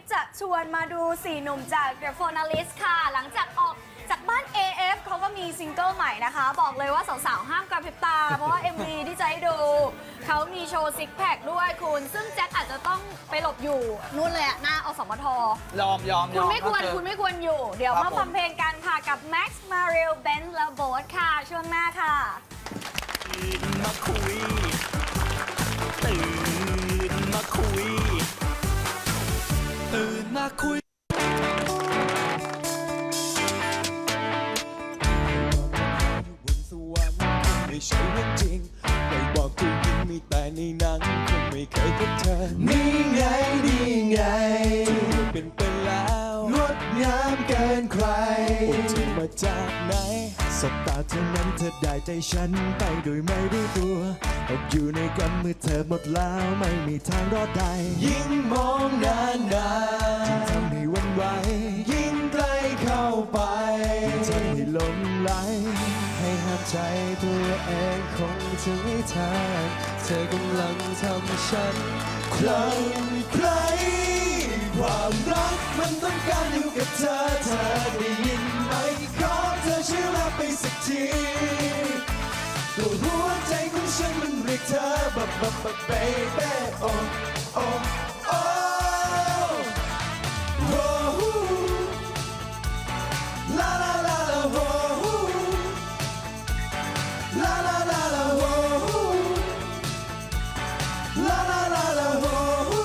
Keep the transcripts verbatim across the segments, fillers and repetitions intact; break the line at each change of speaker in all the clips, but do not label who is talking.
ฟจะชวนมาดูสี่หนุ่มจาก The Finalist ค่ะหลังจากออกจากบ้าน เอ เอฟ เขาก็มีซิงเกิลใหม่นะคะบอกเลยว่าสาวๆห้ามกระพริบตาเพราะว่า เอ็ม วี ที่จะให้ดูเขามีโชว์ซิกแพคด้วยคุณซึ่งแจ็คอาจจะต้องไปหลบอยู่นู่นเลยอะหน้าอสมท
ยอมยอมย
คุ
อ
ณ
ม
ไม่ควรคุณไม่ควรอยู่เดี๋ยว
ครับ
มาฟังเพลงกันค่ะกับ Max Mariel Ben และ Boat ค่ะช่วงหน้าค่ะ
ตื่นมาคุย ตื่นมาคุย ตื่นมาคุยบนสวรรค์ไม่ใช่เรื่องจริงไม่บอกผู้หญิงมีแต่ในหนังคงไม่เคยพบเธอนี่ไงนี่ไงที่เป็นไปแล้วงดงามเกินใครโอ้เธอมาจากไหนสบตาเท่านั้นเธอได้ใจฉันไปโดยไม่รู้ตัวตกอยู่ในกำมือเธอหมดแล้วไม่มีทางรอดได้ยิ่งมองนานนานยิ่งทำให้หวันไหวยิ่งใกล้เข้าไปยิ่งทำให้หลงไหลให้ห้ามใจตัวเองคงจะไม่ทันเธอกำลังทำฉันคลั่งไคล้ความรักมันต้องการอยู่กับเธอเธอได้ยินไหมขอเธอช่วยรับไปสักทีตัวหัวใจของฉันมันเรียกเธอบับบับบับ baby โอ้โอ้โอ้โอ้ลาลาลาลาโอ้ลาลาลาลาโอ้ลาลาลาลาโอ้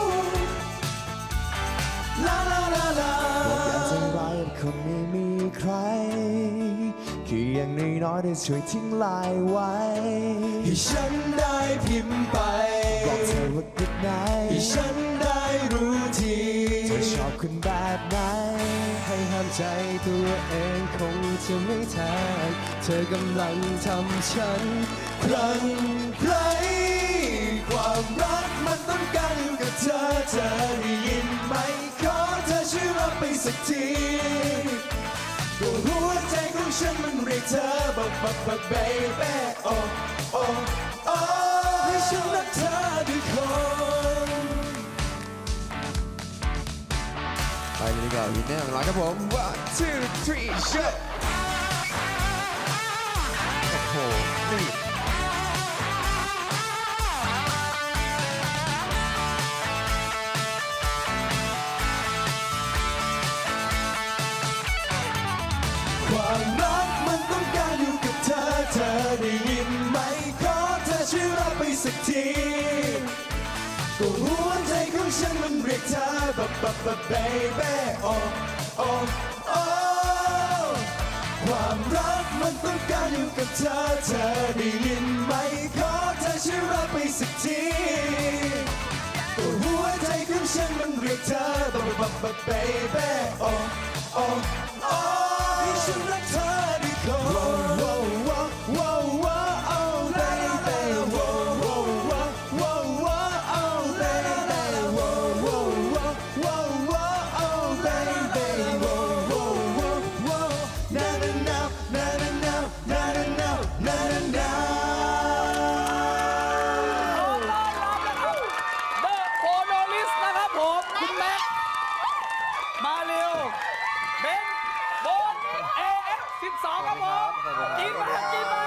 ลาลาลาลาอยากจะร้ายคงไม่มีใครแค่อย่างน้อยๆได้ช่วยทิ้งลายไว้ให้ฉันได้พิมพ์ไปบอกเธอว่า good night ให้ฉันได้รู้ทีเธอชอบคนแบบไหนให้ห้ามใจตัวเองคงจะไม่ทันเธอกำลังทำฉันคลั่งไคล้ความรักมันต้องการอยู่กับเธอเธอได้ยินไหมขอเธอช่วยรับไปสักทีตัวหัวใจของฉันมันเรียกเธอบับบับบับ baby โอ้โอ้โอ้ให้ฉันรักเธอด้วยคนไปเลยดีกว่าวินเนอร์ของเราครับผม one two three shot โอ้โหนี่ความรักมันต้องการอยู่กับเธอเธอได้ยินไหมขอเธอช่วยรับไปสักทีตัวหัวใจของฉันมันเรียกเธอบับบับบับ baby โอ้โอ้โอ้ความรักมันต้องการอยู่กับเธอเธอได้ยินไหมขอเธอช่วยรับไปสักทีตัวหัวใจของฉันมันเรียกเธอบับบับบับ baby โอ้โอ้โอ้ฉันรักเธอด้วยคน wow wow wow wow oh baby wow wow wow wow oh baby wow wow wow wow oh baby wow wow wow na na na na na na na na na na na
เดอะโฟโนลิสนะครับผมคุณแม็กมาเร็วเบนโบน เอ เอฟ สิบสอง ครับผมกินมากินมา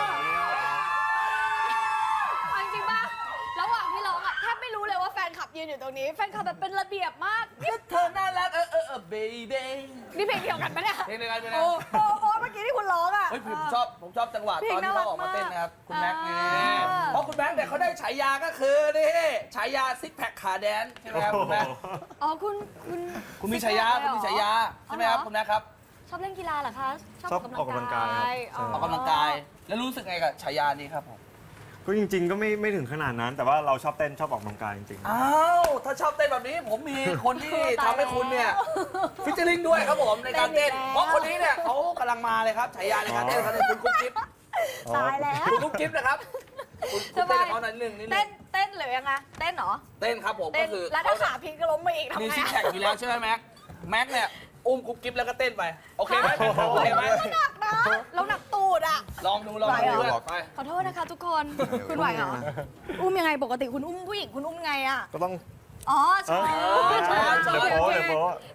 เอาจริงป่ะระหว่างที่ร้องอ่ะแทบไม่รู้เลยว่าแฟนคลับยืนอยู่ตรงนี้แฟนคลับแบบเป็นระเบียบมากนี่
เธอน่ารักเออเออเออ baby
นี่เพลงเดียวกันปะเนี่ย
เพลงเดียวกันเลยนะ
โอ้โอ้โอ้เมื่อกี้ที่คุณร้องอ่ะ
เฮ้ยผมชอบผมชอบจังหวะ
เพล
ต
ง
อนที่เขาออกมา
น่ารักมาก
เต้นนะครับ คุณแม็กซ์นี่
อ่า
เพราะคุณแม็กซ์เนี่ยเขาได้ฉายาก็คือนี่ฉายาซิกแพคขาแดนใช่ไหมครับคุณแม็กซ์
อ๋อคุณคุณ
คุณมีฉายาคุณมีฉายาใช่ไหมครับคุณแม็กซ์ครับ
ชอบเล่นกีฬาเหรอคะ
ชอบออกกำลังกายครับ
ออกกำลังกาย แล้วรู้สึกไงกับฉายานี้ครับผม
ก็จริงๆ ก็ไม่ไม่ถึงขนาดนั้น แต่ว่าเราชอบเต้นชอบออกกำลังกายจริง
อ้าวถ้าชอบเต้นแบบนี้ผมมีคนที่ทำให้คุณเนี่ยฟิชเชอร์ลิงด้วยครับผมในการเต้น เพราะคนนี้เนี่ยเขากำลังมาเลยครับฉายาในการเต้นเขาเนี่ยคุณกุ๊กกิ๊บ
ตายแล้ว
คุณกุ๊กกิ๊บนะครับคุณคุณเต้นกับเขาหน่อยหนึ่งนิดนึ
เต้น
ง
เต้นหรือยังไงเต้นเหรอ
เต้นครับผม
เต้
ก็
น
คือ
แล้วถ้าขาพลิกก็ล้มไปอีกทำ
มี
ไง
ซิกแพคอยู่แล้วใช่ไหมแม็กแม็กเนี่ยอุ้มกุ๊กกิ๊บแล้วก็เต้นไปโอเคไหมโอเคไหม
หนักนะเราหนักตูดอ่ะ
ลองดูลอง
ไหว
ดู
เหรอ
ด้วยไป
ขอโทษนะคะทุกคนคุณไหวเหรออุ้มยังไงปกติคุณอุ้มผู้หญิงคุณอุ้มไงอ่ะ
ๆ ก็ต้อง
อ๋อใช่
ช้อนช้อน
เดี๋ยวโป๊ะเดี๋ยวโป๊ะ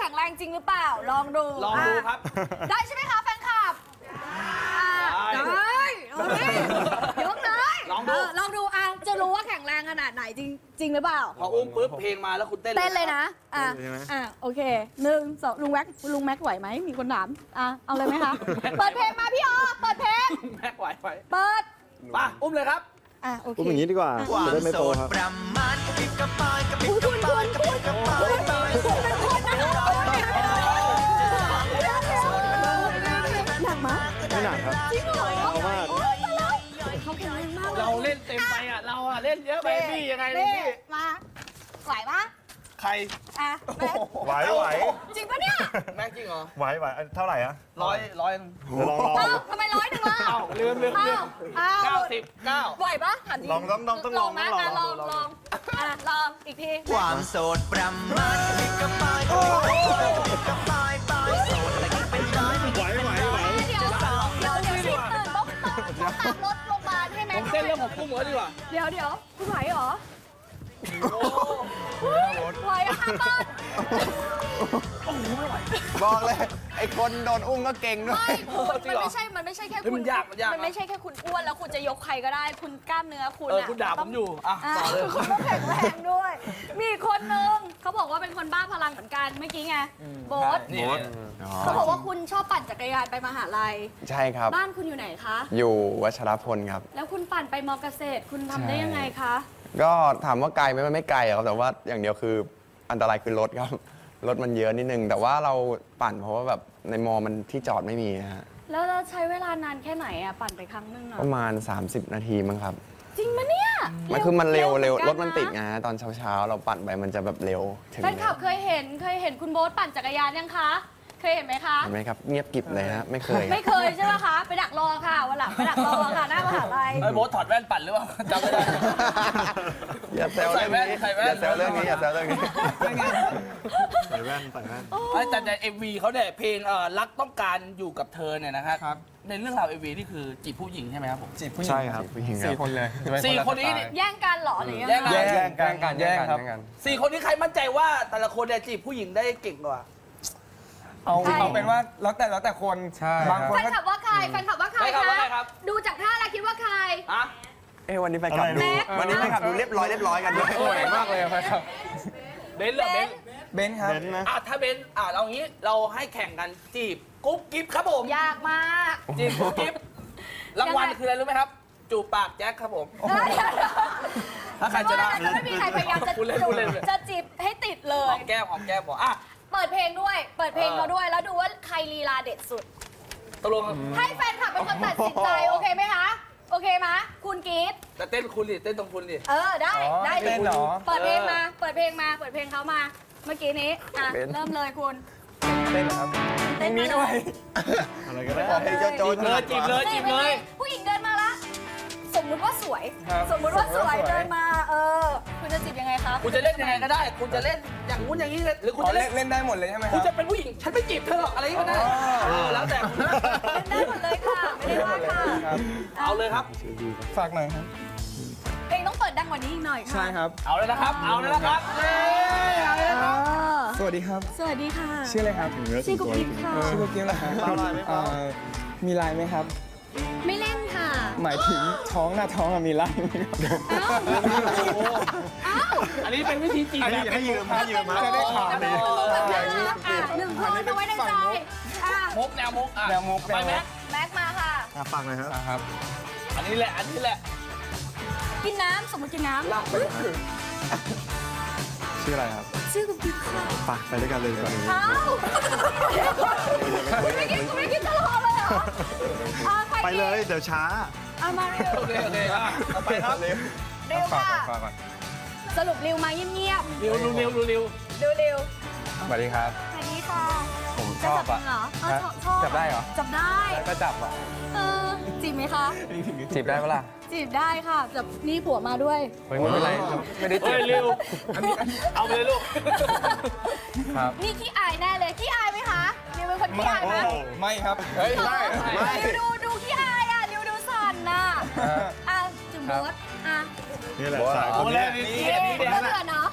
ข็งแรงจริงหรือเปล่า ลองดู
ลองดู
ะ
ครับ
ได้ใช่ไหมคะแฟนคลับอ่ะ
ได้
ได้เอาดิยกเลย
ลองดู
เลองดูอ่ะจะรู้ว่าแข็งแรงขนาดไหนจริงจริงหรือเปล่า
พออุ้มปุ๊บเพลงมาแล้วคุณเต้น
เต้นเลยนะ อ่ะ
เต้นเลยใช่ไหม
อ่ะ โอเคหนึ่งสองลุงแม็กลุงแม็กไหวไหม มีคนถาม อ่ะ เอาเลยไหมคะ เปิดเพลงมาพี่ออเปิดเพลง
แม็กไหวไหว
เปิด
มาอุ้มเลยครับ
อ่ะ โอเค
พูดอย่างนี้ดีกว่าจะได้ไม่โตครับ
คุณคุณคุณคุณคุณคุณเป็นคนนะคะหนักมั้ย
ไม่หนักครับ
จริงเหรอ
เอามาก
โอ้ยตายแล้วเขาแข็งแรงมาก
เราเล่นเต็มไปอ่ะ เราอ่ะเล่นเยอะไปพี่ยังไงเลย
นี่
พี่
มา ไหวปะ
ใคร
อ่ะแม็ก
ไหวไหว
จริงปะเนี่ย
แม็กจริงเหรอ
ไหวไหวอันเท่าไหร่อะ
ร้อยร้อย
เดี๋ยวลองลอง
เอ้าทำไมร้อยหนึ่งล่ะ
เอ้าลืมลืมลืม
เอ้า
เก้าสิบเก้า
ไหวปะถามจริ
ลองต้องต้องต้องลอง
ไหม
ต้องลอง
อ่ะลองลองอ่ะลองอีกที
ความโสดประมาณกับปลายกับปลายปลายโสดแต่ก็เป็นร้อยไม่
ไหวไหวไหว
เดี๋ยวเดี๋ยวเดี๋ยวชีพตื่นต้องต้องต้องตามรถโรงพยาบาลให้แม็
ผ
ก
มเต้นเรื่องของกุ้งเหรอดีกว่า
เดี๋ยวเดี๋ยวคุณไหวเหรอไหวอะค่ะเปิ้ล
บอกเลย ไอ้คนโดนอุ้มก็เก่งด้วย
ไม่คุณมันไม่ใช่ มันไม่ใช่แค่
เฮ้ย
คุ
มั
ณ
นยากมันยาก
มันไม่ใช่แค่คุณอ้วนแล้วคุณจะยกใครก็ได้ คุณกล้ามเนื้อคุณ
เออ
อะ
คุณด่าผมอยู่อ่ะ
อ่ะ
ต่อเลย
คุณต้องแข็งแรงด้วย มีอีกคนนึงเขาบอกว่าเป็นคนบ้าพลังเหมือนกันเมื่อกี้ไงโบ๊ท
นี่
เขาบอกว่าคุณชอบปั่นจักรยานไปมหาลัย
ใช่ครับ
บ้านคุณอยู่ไหนคะ
อยู่วัชรพลครับ
แล้วคุณปั่นไปมอเกษตร คุณทำได้ยังไงคะ
ก็ถามว่าไกลไหมมันไม่ไกลครับ แต่ว่าอย่างเดียวคืออันตรายคือรถครับ รถมันเยอะนิดนึง แต่ว่าเราปั่นเพราะว่าแบบในมอมันที่จอดไม่มีนะฮะ
แล้วเราใช้เวลานานแค่ไหนอะปั่นไปครั้งหนึงอะ
ประมาณ สามสิบ นาทีมั้งครับ
จริงมะเนี่ย
มันคือมันเร็วเร็ว
ห
ร
อ
ถ
กัะ
มันติดไงฮะตอนเช้าๆ เราปั่นไปมันจะแบบเร็วถึง
แฟนคลับเคยเห็นเคยเห็นคุณโบ๊ทปั่นจักรยานยังคะ เคยเห็นไหมคะ
เห็นไหมครับ เงียบกริบเลยฮะ ไม่เคย
ไม่เคยใช่ไหมคะ ไปดักรอค่ะวันหลังไปดักรอค่ะหน้ามหาลัย
ไอ้โบ๊ทถอดแว่นปั่นหรือเปล่าจำไม่ได้
อย่าแซวเรื่องนี้
ใส่แว่น
อย่าแซวเรื่องนี้อย่าแซวเรื่องนี้
ใส่แว่นใส่แว่น
ไม่แต่ในเอ็มวีเขาเนี่ยเพลงเอ่อรักต้องการอยู่กับเธอเนี่ยนะครับในเรื่องราวเอ็มวีนี่คือจีบผู้หญิงใช่ไหมครับผม
จีบผู้หญิง
ใช่ครับ
ผู้หญิงครับ
สี่คนเลย
สี่คนนี้นี่
แย่งกันเหรอหรือยัง
แย่ง
ไง
กัน
แย่งกันกันแย่งครับ
สี่คนนี้ใครมั่นใจว่าแต่ละคนเนี่ยจีบผู้หญิงได้เก่งกว่า
เอาเอาเป็นว่าแล้วแต่แล้วแต่คน
ใช่
บางคน
แฟน
ก็
คลับว่าใครแฟนคลับว่าใคร
แฟนคลับ
คะ
ว่าใครครับ
ดูจากท่าแล้วคิดว่าใคร
อะ
เอ้วันนี้แฟนคลับ
อะไร
ดู
นะ
วันนี้แฟนคลับดูเรียบร้อยเรียบร้อยกันด้วย
สวยมากเลยครับ
เบนซ์เหรอเบนซ์
เบนซ์ครับ
เบนซ์นะ
อ่ะถ้าเบนซ์อ่ะเรางี้เราให้แข่งกันจีบกุ๊บกิ๊บครับผม
ยากมาก
จีบกุ๊บกิ๊บรางวัลคืออะไรรู้ไหมครับ จูบปากแจ็คครับผม ถ้าใครชนะ
จะไม่มีใครพยายามจะ
พูดเล่นพูดเล่น
จะจีบให้ติดเล
หอย มแก้มหอมแก้มบอกอ่ะ
เปิดเพลงด้วย เปิดเพลงเราด้วย แล้วดูว่าใครลีลาเด็ดสุด
ตกลง
ให้แฟนคลับเป็นคนตัดสินใจ โอเคไหมคะ โอเคไหมคุณกีด
แต่เต้นคุณดิเต้นตรงคุณดิ
เออ ได้
อ๋อ
ได้
เต้นเหรอ
เปิดเพลงมา เปิดเพลงมา เปิดเพลงเขามา เมื่อกี้นี้ อ่ะ เริ่มเลยคุณ
เต้นครับ
เต้น
มี
มาเล
ด้วย
อะไรก็ได้
บอกให้โจ๊ะ
จีบเลยจีบเลยจีบเลย
ผู้หญิงเดินมาละ สมมุติว่าสวย
ครับ
สมมุติว่าสวย
สมมุติว่าสวย
เดินมา เออ คุณจะจีบยังไงคะ
คุณจะเล่นยังไงก็ได้ คุณจะเล่นอย่างงู้นอย่างนี้หรือคุณ
อ๋อ
จะ
เล่
เล่
น
น
เล่นได้หมดเลยใช่ไหมค
คุ
รั
ณ
บ
จะเป็นผู้หญิง ฉันไม่จีบเธอหรอกอะไรก็ได้เออแล้วแต่คุณนะ
เล่นได้หมดเลยค่ะ ไม่ได้ว่าค่ะ
ครับ
เอาเลยครับ
ฝากหน่อยครับ
เพลงต้องเปิดดังกว่านี้อีกหน่อยค่ะ
ใช่ครับ
เอาเลยนะครับ เอาเลยนะครับเย้เอาเลยนะครับ
สวัสดีครับ
สวัสดีค่ะ
ชื่ออะไรครับ
ชื่อกุ๊กกิ๊บค่ะ
ชื่อกุ๊กกิ๊บเหรอครับเอ่อมีไลน์ไหมครับ
ไม่เล่นค่ะ
หมายถึงท้องหน้าท้องอะมีไลน์ไหมครับ
เอ้า เอ้า
อันนี้เป็นวิธีจีบ
อัน
แบ
นี้
บ
ให้ยืมให้ยืมมา
จะได้ข่าว
แบบนี้อ่ะหนึ่งคนเอาไว้ในใจอ่ะ
มุกแนวมุกอ่ะ
แนวมุก
ไปแม็ก
แม็กมาค่ะ
อ่ะฟังหน่อยครับ
ครับ
อันนี้แหละ อันนี้แหละ
กินน้ำสมมติกินน้ำ
ชื่ออะไรครับ
ชื่อกุ๊กกิ๊บค่ะ
ไปไปด้วยกันเลยดีกว่า
เอ้าคุณไม่กินคุณไม่กินตลอดเลยเหรออ่ะใคร
ไปเลย เดี๋ยวช้า
เอามาเร็ว
โอเค โอเคอ่ะต่อไปครับ
เร็ว
ฝาก
ค่ะ
ก่อนฝากก่อน
สรุปริวมาเงียบ
เร็วดูเร็วดูเร็ว
ๆดูเร็ว
สวัสดีครับ
สวัสดีค่ะ
ผมชอบอะ
จะจับมืเหรอเออชอบชอบ
จับได้เหรอ
จับได้
ก็จับอ่ะ
เออจีบไหมคะ
จีบได้ปะล่ะ
จีบได้ค่ะจับนี่ผัวมาด้วย
เฮ้ยไม่เป็นไรครับไม่ได้จี
เฮ้
บ
ยเร็วเอาไปเลยลูก
ครับ
นี่ขี้อายแน่เลยขี้อายไหมคะริวเป็นคนขี้อายไหม
ไม่ครับ เฮ้ยไม่ไม่
ริวดูดูขี้อายอ่ะริวดูสั่นน่ะอ่ะจุ่มรถอ่ะ
นี่แหละสายค
เอา
น
เล
นี้
ยนี่นี่
เอ๊ะ
นี่
เบื่อเบื่อเนาะ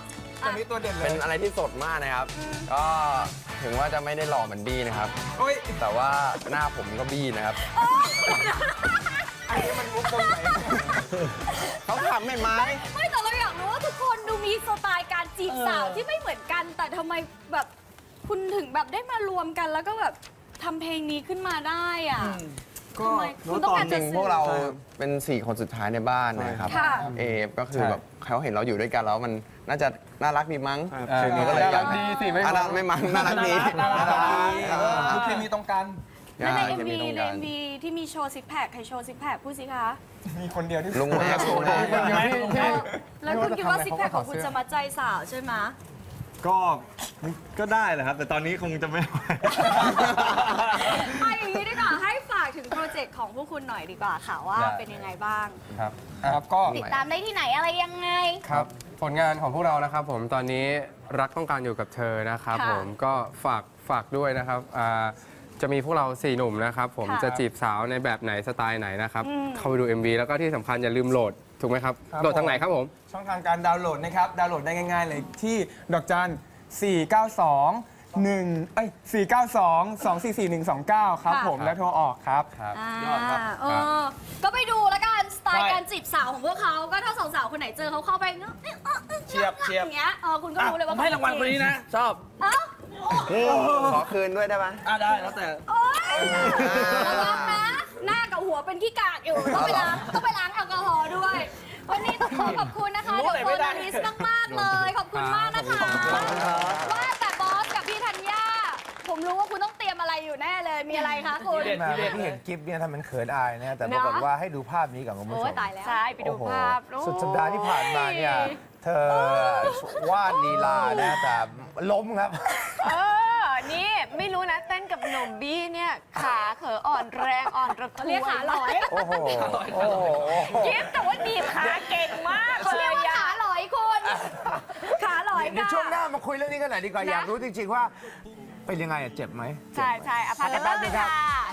ตัวนี้ตัวเด่นเล
เป็
ย
นอะไรที่สดมากนะครับ ก็ถึงว่าจะไม่ได้หล่อเหมือนบี้นะครับ
โอ้ย
แต่ว่าหน้าผมก็บี้นะครับ
อันนี้มันมุกตรงไหน
เขาทำไม่ไหม
ไม่แต่เราอยากรู้ว่าทุกคนดูมีสไตล์การจีบสาวที่ไม่เหมือนกัน แต่ทำไมแบบคุณถึงแบบได้มารวมกันแล้วก็แบบทำเพลงนี้ขึ้นมาได้อ่ะ
ก็
ทำไมคุณต้องการ
จ
จะ
ริง
สื่
ๆ
อ
พวกเราเป็นสี่คนสุดท้ายในบ้านนะครับ
ค่ะ
เอฟก็คือแบบเขาเห็นเราอยู่ด้วยกันแล้วมันน่าจะน่ารักดีมั้ง
ครับ
ถึงก็เลยอยาก
น่ารักดีสิไม่
อ่ะ
มั้ง
ไม่มั้งน่ารักดี
น่ารักดี
อ่า
คือเคมีตรงกัน
แล้วใน
อ่า
เอ็ม
จะ
วี
ตรง
ใน
กั
เอ็มวีที่มีโชว์ซิกแพคใครโชว์ซิกแพคพูดสิคะ
มีคนเดียวที่
ลุงแม็กซ์ลุงแม็กซ์
คนเดียวที่ที่
แล้วคุณคิดว่าซิกแพคของคุณจะมาใจสาวใช่ไหม
ก็ก็ได้แหละครับ แต่ตอนนี้คงจะไม่ไหว
เอาอย่างนี้ดีกว่าให้ฝากถึงโปรเจกต์ของพวกคุณหน่อยดีกว่าค่ะว่า
ได้
เป็นยังไงบ้าง
ครับ
ครับก็
ติดตามได้ที่ไหนอะไรยังไง
ครับผลงานของพวกเรานะครับผมตอนนี้รักต้องการอยู่กับเธอนะครับ
ค่ะ
ผมก็ฝากฝากด้วยนะครับอ่าจะมีพวกเราสี่หนุ่มนะครับผม
ค่ะ
จะจีบสาวในแบบไหนสไตล์ไหนนะครับ
อืม
เข้าไปดู เอ็ม วี แล้วก็ที่สำคัญอย่าลืมโหลดถูกไหมครับ
ครับ
โหลดทางไหนครับผม
ช่องทางการดาวน์โหลดนะครับ ดาวน์โหลดได้ง่ายๆเลยที่ดอกจัน สี่เก้าสองหนึ่ง เอ้ย สี่เก้าสอง สองสี่สี่หนึ่งสองเก้า ครับ
ค่ะ
ผมแล้วโทรออกครับ
ครับ
อ่าย
อดครับ
เออก็ไปดูแล้วกันสไตล์
ใช่
การจีบสาวของพวกเขาก็ถ้าสาวๆคนไหนเจอเขาเข้าไปเนอะ
เชียบเชียบ
อย่างเงี้ยเออคุณก็รู้เลยว่า
ผมให้รางวัลคนนี้นะ ชอบ
เอ้า
ขอคืนด้วยได้ไหม
อ่ะได้แล้วแต่
โอ๊ยระวังนะ หน้ากับหัวเป็นขี้กากอยู่ ต้องไปล้างต้องไปล้างแอลกอฮอล์ด้วย วันนี้ต้องขอขอบคุณนะคะ
รู้
เด
อะไร
อะโฟ
ไม่ได้
นาลิสมากๆเลย ขอบคุณมากนะคะว่าแต่บอสกับพี่ธัญญาผมรู้ว่าคุณต้องเตรียมอะไรอยู่แน่เลย มีอะไรคะคุณ
ทีเด็ด
มา
ทีเด็ด
ที่เห็นคลิปเนี่ยทำเป็นเขินอายนะแต่
เน
ป
อะ
รากฏว่าให้ดูภาพนี้กับคุณผู้
โอ้
ช
ย
ม
ตายแล้ว
ใช่ ไปดู
โอ้โห
ภาพ
สุดสัปดาห์ที่ผ่านมาเนี่ย เธอวาดลีลานะแต่ล้มครับ
เออ นี่ไม่รู้นะเต้นกับหนุ่มบี้เนี่ย ขาเขออ่อนแรงอ่อนระทวย
เรียกขาหลอย
โอ้โห โอ้โห
ยิบแต่ว่าดีบขาเก่งมาก
เขาเรียกว่าขาหลอยคุณ ขาหลอย
เดี๋ยว
ค่ะ
ช่วงหน้ามาคุยเรื่องนี้กันหน่อยดีกว่า
นะ
อยากรู้จริง ๆ ว่า เป็นยังไงอะเจ็บไหม
ใช่ใช่อพักกันแป๊บนึงค่ะ